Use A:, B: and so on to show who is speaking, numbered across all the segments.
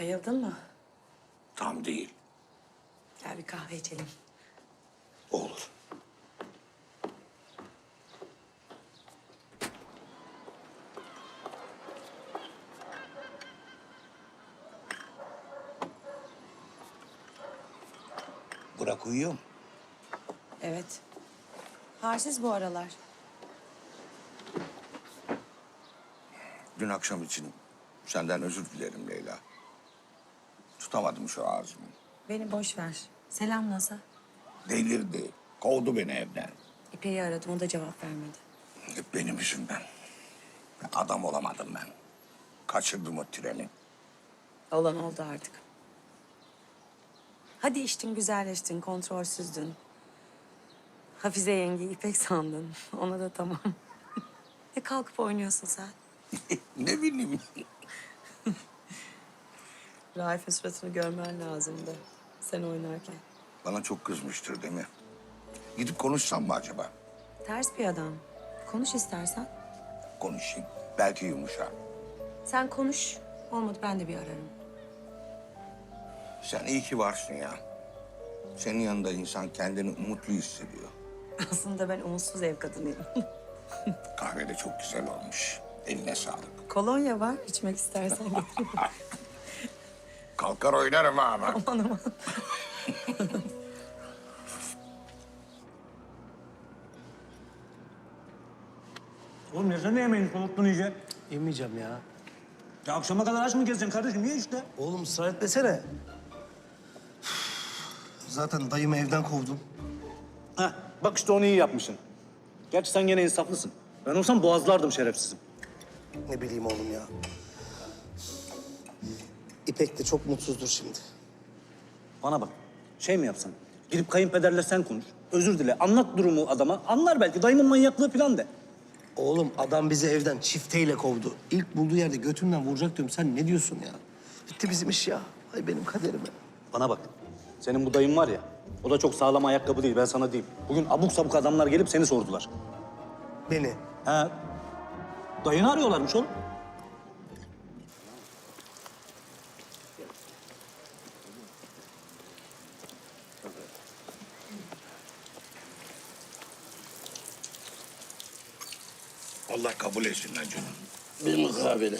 A: Bayıldın mı?
B: Tam değil.
A: Gel bir kahve içelim.
B: Olur. Burak uyuyor mu?
A: Evet. Halsiz bu aralar.
B: Dün akşam için senden özür dilerim Leyla. Tutamadım şu ağzımı.
A: Beni boş ver. Selam nasıl?
B: Delirdi. Kovdu beni evden.
A: İpek'i aradım, o da cevap vermedi.
B: Hep benim yüzümden. Adam olamadım ben. Kaçırdım o treni.
A: Olan oldu artık. Hadi içtin, güzelleştin, kontrolsüzdün. Hafize yengeyi İpek sandın. Ona da tamam. Kalkıp oynuyorsun sen.
B: Ne bileyim.
A: Raif'in suratını görmen lazımdı. Sen oynarken.
B: Bana çok kızmıştır değil mi? Gidip konuşsam mı acaba?
A: Ters bir adam. Konuş istersen.
B: Konuşayım. Belki yumuşar.
A: Sen konuş. Olmadı ben de bir ararım.
B: Sen iyi ki varsın ya. Senin yanında insan kendini umutlu hissediyor.
A: Aslında ben umutsuz ev kadınıyım.
B: Kahve de çok güzel olmuş. Eline sağlık.
A: Kolonya var. İçmek istersen getireyim.
B: Kalkar oynarım ha ama.
A: Aman aman.
C: Oğlum yesene yemeğini, soğuttun iyice.
D: Yemeyeceğim ya.
C: Ya akşama kadar aç mı gezeceksin kardeşim? Niye işte?
D: Oğlum ısrar etmesene. Zaten dayımı evden kovdum.
C: Heh, bak işte onu iyi yapmışsın. Gerçi sen gene insaflısın. Ben olsam boğazlardım şerefsizim.
D: Ne bileyim oğlum ya. İpek de çok mutsuzdur şimdi.
C: Bana bak, şey mi yapsan? Gidip kayınpederle sen konuş. Özür dile, anlat durumu adama. Anlar belki, dayımın manyaklığı falan de.
D: Oğlum adam bizi evden çifteyle kovdu. İlk bulduğu yerde götümden vuracak diyorum. Sen ne diyorsun ya? Bitti bizim iş ya. Ay benim kaderime.
C: Bana bak, senin bu dayın var ya, o da çok sağlam ayakkabı değil, ben sana diyeyim. Bugün abuk sabuk adamlar gelip seni sordular.
D: Beni.
C: He, dayını arıyorlarmış oğlum.
B: Allah kabul etsin lan canım.
E: Bir mukabele.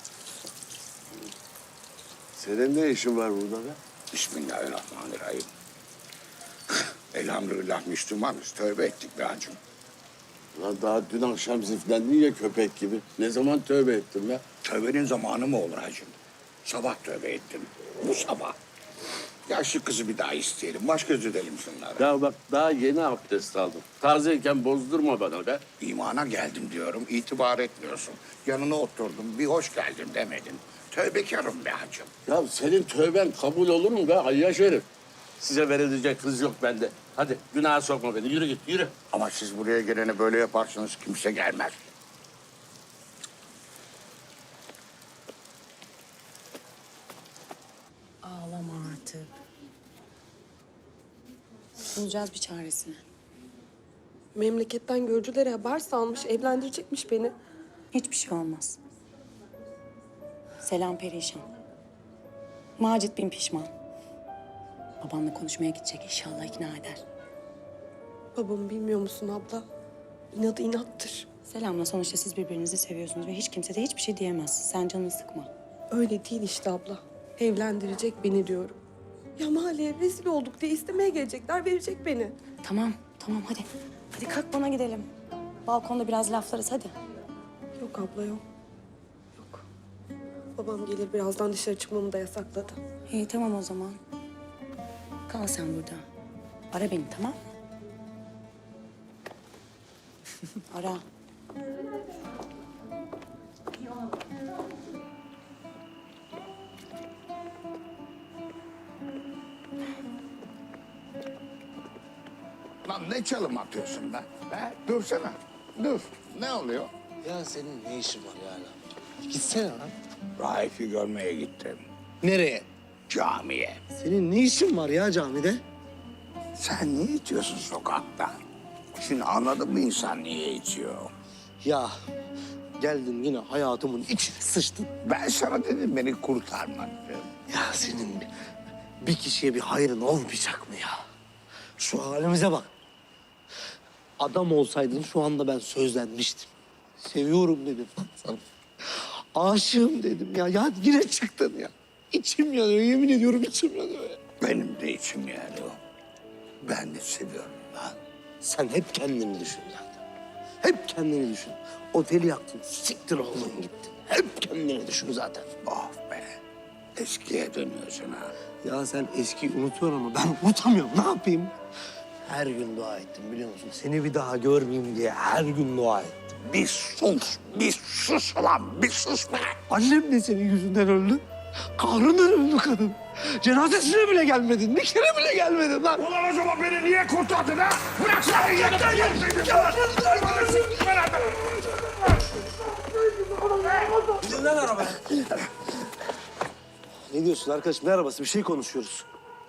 E: Senin ne işin var burada be?
B: Bismillahirrahmanirrahim. Elhamdülillah Müslümanız. Tövbe ettik be hacım.
E: Lan daha dün akşam ziflendin ya köpek gibi. Ne zaman tövbe ettin be?
B: Tövbenin zamanı mı olur hacım? Sabah tövbe ettim. Bu sabah. Yaşlı kızı bir daha isteyelim. Baş göz edelim şunlara.
E: Ya bak daha yeni abdest aldım. Tazeyken bozdurma bana be.
B: İmana geldim diyorum. İtibar etmiyorsun. Yanına oturdum. Bir hoş geldin demedin. Tövbekarım be hacım.
E: Ya senin tövben kabul olur mu be Ayyaş herif? Size verilecek kız yok bende. Hadi günaha sokma beni. Yürü git yürü.
B: Ama siz buraya gelene böyle yaparsanız kimse gelmez.
A: Ağlama artık. Bulacağız bir çaresini.
F: Memleketten görücülere haber salmış, evlendirecekmiş beni.
A: Hiçbir şey olmaz. Selam perişan. Macit bin pişman. Babanla konuşmaya gidecek, inşallah ikna eder.
F: Babamı bilmiyor musun abla? İnadı inattır.
A: Selamla sonuçta siz birbirinizi seviyorsunuz ve hiç kimse de hiçbir şey diyemez. Sen canını sıkma.
F: Öyle değil işte abla. Evlendirecek beni diyorum. Ya mahalleye rezil olduk diye istemeye gelecekler, verecek beni.
A: Tamam, tamam hadi. Hadi kalk bana gidelim. Balkonda biraz laflarız hadi.
F: Yok abla yok. Yok. Babam gelir birazdan dışarı çıkmamı da yasakladı.
A: İyi tamam o zaman. Kal sen burada. Ara beni tamam mı? Ara.
B: Lan ne çalım atıyorsun be? He? Dursana. Dur. Ne oluyor?
D: Ya senin ne işin var ya? Gitsene lan.
B: Raif'i görmeye gittim.
D: Nereye?
B: Camiye.
D: Senin ne işin var ya camide?
B: Sen niye içiyorsun sokakta? Şimdi anladın mı insan niye içiyor?
D: Ya geldin yine hayatımın içine sıçtın.
B: Ben sana dedim beni kurtarma dedim.
D: Ya senin bir kişiye bir hayrın olmayacak mı ya? Şu halimize bak. Adam olsaydın şu anda ben sözlenmiştim. Seviyorum dedim sana. Aşığım dedim ya. Ya yine çıktın ya. İçim yanıyor, yemin ediyorum içim yanıyor ya.
B: Benim de içim yanıyor. Ben de seviyorum lan.
D: Sen hep kendini düşün zaten. Hep kendini düşün. Oteli yaktın, siktir oldun gittin. Hep kendini düşün zaten.
B: Oh be. Eskiye dönüyorsun ha.
D: Ya sen eskiyi unutuyorsun ama ben unutamıyorum. Ne yapayım? Her gün dua ettim biliyor musun? Seni bir daha görmeyeyim diye her gün dua ettim.
B: Bir sus ulan, bir sus be.
D: Annem de senin yüzünden öldü. Kahrından öldü kadın. Cenazesine bile gelmedin. Bir kere bile gelmedin lan.
B: Ulan o zaman beni niye kurtardın ha? Bıraksana yeter gelseydin.
D: Ne diyorsun arkadaşım? Ne arabası? Bir şey konuşuyoruz.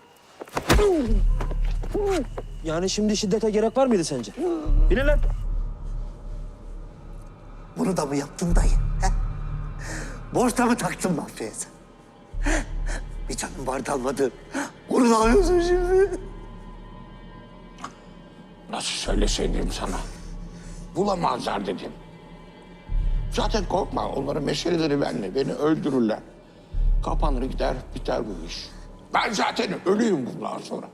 G: Yani şimdi şiddete gerek var mıydı sence? Bine lan.
D: Bunu da mı yaptın dayı? He? Borçta mı taktın mafyaya sen? He? Bir canım vardı almadın. Onu da alıyorsun şimdi.
B: Nasıl söyleseydim sana? Bulamazlar dedim. Zaten korkma, onların meseleleri benimle. Beni öldürürler. Kapanır gider, biter bu iş. Ben zaten ölüyüm bundan sonra.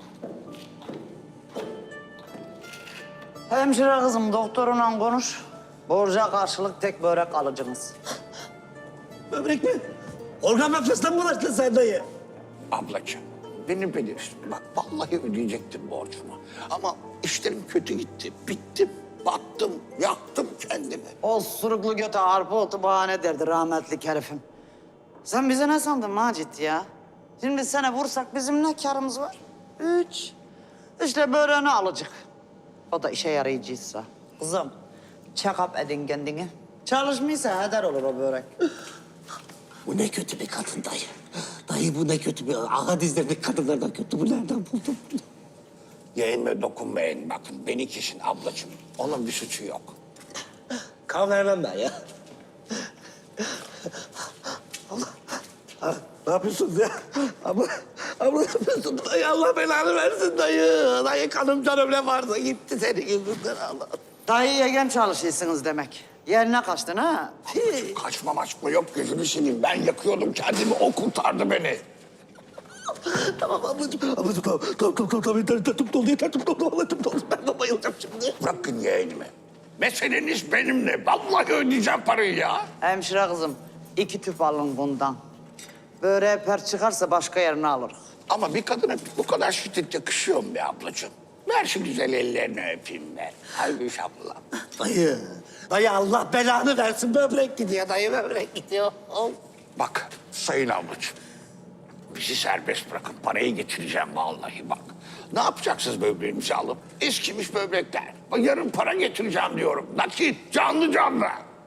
H: Hemşire kızım doktorunla konuş. Borca karşılık tek börek alıcınız.
D: Böbrek mi? Organ mafyasından mı bulaştın sen dayı?
B: Ablacığım, beni bilirsin. Bak vallahi ödeyecektim borcumu. Ama işlerim kötü gitti. Bittim, battım, yaktım kendimi.
H: O suruklu göte arpa otu bahane derdi rahmetli herifim. Sen bize ne sandın Macit ya? Şimdi sene vursak bizim ne karımız var? 3. İşte böreğini alacak. O da işe yarayıcıysa. Kızım, check-up edin kendini. Çalışmıyorsa heder olur o börek.
D: Bu ne kötü bir kadın dayı. Dayı bu ne kötü bir... Ağa dizlerindeki kadınlardan kötü. Bu nereden buldun bunu?
B: Yeğenime dokunmayın bakın. Beni kişin ablacığım. Onun bir suçu yok.
D: Kan vermem ben ya. Ha, ne yapıyorsunuz ya? Abla ne yapıyorsun? Dayı Allah belanı versin dayı. Dayı kanım canım ne varsa gitti senin yüzünden Allah.
H: Dayı yegen çalışıyorsunuz demek. Yerine kaçtın ha?
B: Kaçma maçma yok gözünü seveyim. Ben yakıyordum kendimi, o kurtardı beni.
D: Tamam ablacığım. Ablacığım tamam. Yeter tüp doldu yeter tüp doldu. Vallahi tüp doldu. Ben de bayılacağım şimdi.
B: Bırakın yeğenimi. Meseleniz benimle. Vallahi ödeyeceğim parayı ya.
H: Hemşire kızım, 2 tüp alın bundan. Böreğe per çıkarsa başka yerine alırız.
B: Ama bir kadına bu kadar şiddet yakışıyor mu be ablacığım? Ver şu güzel ellerini öpeyim ben. Hayır abla.
D: Dayı. Dayı Allah belanı versin. Böbrek gidiyor dayı böbrek gidiyor. Al.
B: Bak sayın ablacığım. Bizi serbest bırakın. Parayı getireceğim vallahi bak. Ne yapacaksınız böbreğimizi alıp? Eskimiş böbrekler. Yarın para getireceğim diyorum. Nakit, canlı canlı.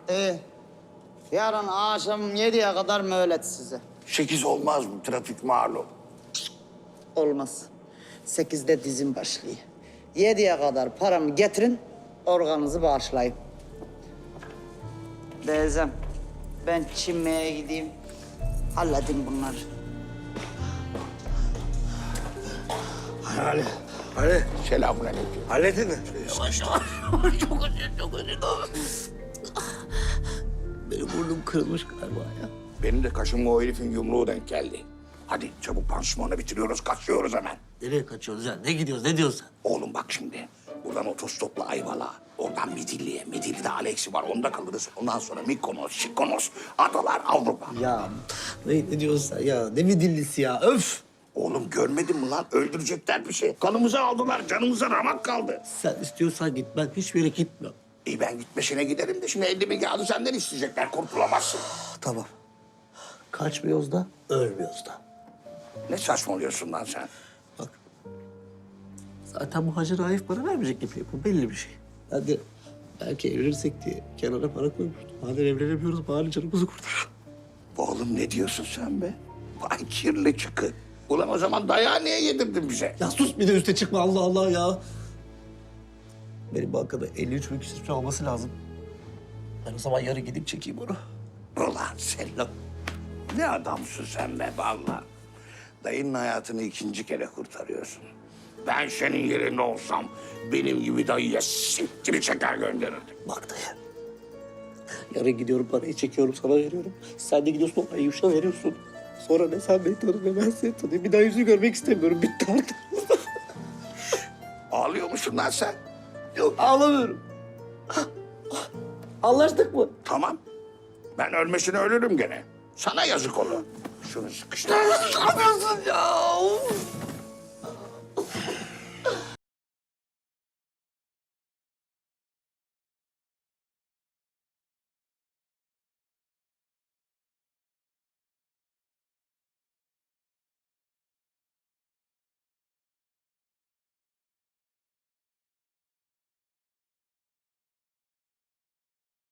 H: Yarın akşam 7'ye kadar mühlet size.
B: 8 olmaz mı? Trafik malum.
H: Olmaz. 8'de dizim başlıyor. 7'ye kadar paramı getirin, organınızı bağışlayın. Teyzem, ben çinmeye gideyim. Halledin bunları.
D: Ali.
B: Selamünaleyküm.
D: Halledin mi? Yavaş. Çok acıyor. Benim burnum kırılmış galiba ya.
B: Benim de kaşıma o herifin yumruğu denk geldi. Hadi çabuk pansumanı bitiriyoruz, kaçıyoruz hemen.
D: Nereye kaçıyoruz ya? Ne gidiyoruz? Ne diyorsun sen?
B: Oğlum bak şimdi. Buradan otostopla Ayvalık'a. Oradan Midilli'ye. Midilli'de Alex'i var. Onda kalırız. Ondan sonra Mykonos, Şikonos, adalar Avrupa.
D: Ya ne diyorsun sen ya? Ne mi dillisi ya? Öf!
B: Oğlum görmedin mi lan? Öldürecekler bir şey. Kanımızı aldılar. Canımıza ramak kaldı.
D: Sen istiyorsan git. Ben hiçbir yere gitmem.
B: İyi ben gitmesine giderim de şimdi 50 bin kağıdı senden isteyecekler. Kurtulamazsın.
D: Tamam. Kaçmıyoruz da, ölmüyoruz da.
B: Ne saçmalıyorsun lan sen?
D: Bak. Zaten bu Hacı Raif para vermeyecek gibi. Bu belli bir şey. Hadi belki evlenirsek diye kenara para koymuştum. Madem evlenemiyoruz bari canımızı kurtar.
B: Oğlum ne diyorsun sen be? Vay kirli çıkı. Ulan o zaman dayağı niye yedirdin bize?
D: Ya sus bir de üste çıkma Allah Allah ya. Benim bankada 53 bin küsur olması lazım. Ben o zaman yarı gidip çekeyim onu.
B: Ulan Sello. Ne adamsın sen be vallahi. Dayının hayatını ikinci kere kurtarıyorsun. Ben senin yerinde olsam benim gibi dayıya siktiri çeker gönderirdim.
D: Bak dayı. Yarın gidiyorum parayı çekiyorum sana veriyorum. Sen de gidiyorsun o Ayuş'a veriyorsun. Sonra ne sen beni tanı ne ben seni tanıyayım. Bir daha yüzünü görmek istemiyorum. Bitti artık.
B: Ağlıyor musun lan sen?
D: Yok ağlamıyorum. Anlaştık mı?
B: Tamam. Ben ölmesine ölürüm gene. Sana yazık olur. Şunu sıkıştır.
D: Ne yapıyorsun ya? Of.